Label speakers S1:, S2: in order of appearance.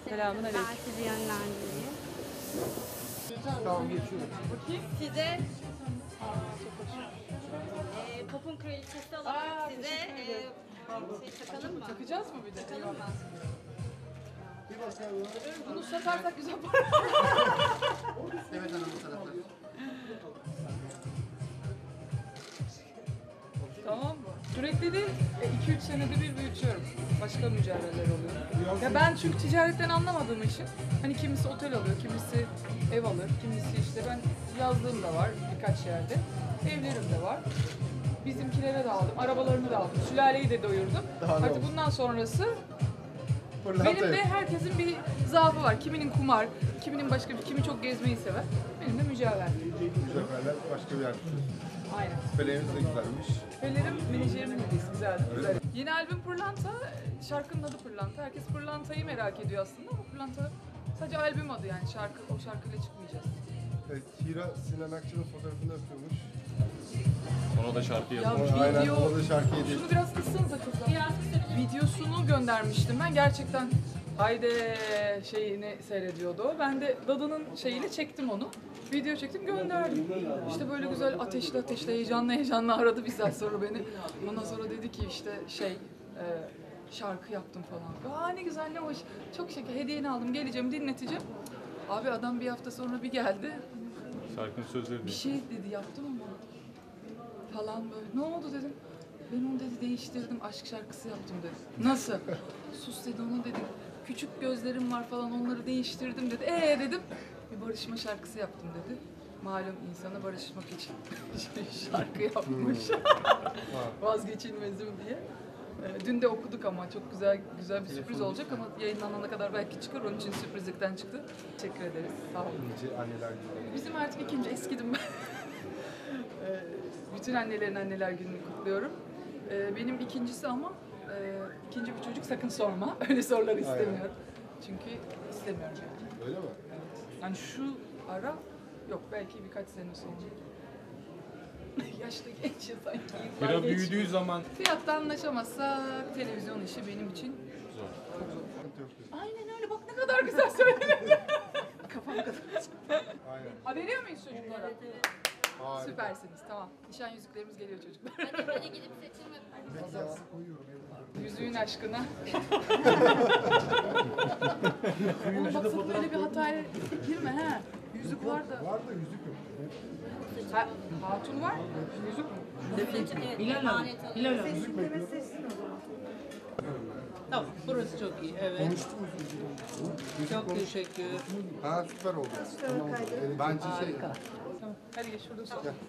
S1: Selamünaleyküm.
S2: Ben sizi yönlendireyim.
S3: Tamam geçiyorum.
S1: Bakayım.
S2: Size popun kraliçesi olarak size takalım mı?
S1: Takacağız mı bir de?
S2: Takalım mı?
S3: Bir bakalım.
S1: Bunu satarsak güzel para.
S3: Evet hanım bu tarafta.
S1: Tamam mı? Sürekli değil, 2-3 senede bir büyütüyorum. Başka mücadeleler oluyor. Ya ben çünkü ticaretten anlamadığım için hani kimisi otel alıyor, kimisi ev alır, kimisi işte ben yazdığım da var birkaç yerde. Evlerim de var. Bizimkilere de aldım, arabalarını da aldım, sülaleyi de doyurdum.
S3: Daha ne
S1: Artık
S3: olsun?
S1: bundan sonrası
S3: Pırlanta
S1: benim de
S3: yok.
S1: herkesin bir zaafı var. Kiminin kumar, kiminin başka bir, kimi çok gezmeyi sever. Benim de mücadele.
S3: Mücevherler başka bir yer.
S1: Aynen.
S3: Küpelerimiz de güzelmiş.
S1: Küpelerim menajerimin hediyesi, güzeldi. Güzel. Yeni albüm Pırlanta, şarkının adı Pırlanta. Herkes Pırlanta'yı merak ediyor aslında ama Pırlanta sadece albüm adı yani şarkı, o şarkıyla çıkmayacağız.
S3: Evet, Hira Sinan Akçıl'ın fotoğrafını öpüyormuş.
S4: Ona da şarkı
S1: Ya
S4: yazmış.
S3: Aynen,
S1: video,
S3: ona da şarkı hediye.
S1: şunu biraz kıssanıza kızlar. Videosunu göndermiştim ben gerçekten. Haydi şeyini seyrediyordu o. Ben de Dadı'nın şeyini çektim onu. Video çektim gönderdim. İşte böyle güzel ateşli heyecanlı aradı bir saat sonra beni. Ondan sonra dedi ki işte şarkı yaptım falan. Aa ne güzel ne hoş. Çok şeker hediyeni aldım geleceğim dinleteceğim. Abi adam bir hafta sonra bir geldi.
S4: Şarkının sözleri
S1: Bir
S4: değil.
S1: şey dedi yaptım ama falan böyle. Ne oldu dedim. Ben onu dedi değiştirdim aşk şarkısı yaptım dedi. Nasıl? Sus dedi ona dedim. Küçük gözlerim var falan onları değiştirdim dedi. Dedim. Bir barışma şarkısı yaptım dedi. Malum insana barışmak için şarkı yapmış. Vazgeçilmezim diye. Dün de okuduk ama çok güzel bir sürpriz olacak ama yayınlanana kadar belki çıkar. Onun için sürprizlikten çıktı. Teşekkür ederiz. Sağ olun.
S3: Nice anneler günü.
S1: Bizim artık ikinci eskidim ben. Bütün annelerin anneler gününü kutluyorum. Benim ikincisi ama ikinci bir çocuk sakın sorma. Öyle soruları istemiyorum. Çünkü istemiyorum yani.
S3: Öyle mi?
S1: Yani şu ara yok belki birkaç sene sonra. Yaşlı geçiyor sanki. yıllar
S4: Hira
S1: geçiyor.
S4: büyüdüğü zaman
S1: Fiyatta anlaşamazsak televizyon işi benim için
S4: zor.
S1: çok zor.
S3: Sıkıntı yok diyorsun.
S1: Aynen öyle bak ne kadar güzel söyledin. Kafam kadar.
S3: Aynen.
S1: Ha veriyor muyuz çocuklara?
S3: Harika.
S1: Süpersiniz tamam. Nişan yüzüklerimiz geliyor çocuklar.
S2: Hadi gidip seçim yapalım.
S1: Yüzüğün aşkına. Oğlum bak sakın öyle bir hataya girme ha. Yüzük var da.
S3: Var da yüzük yok.
S1: Ha, hatun var. Yüzük mü?
S5: Hilal Hanım. Tamam, burası çok iyi. Evet.
S3: Konuştuk mu?
S5: Çok teşekkür.
S3: Ha süper oldu. Bence şey.
S1: Tamam. Hadi geç şurada sor.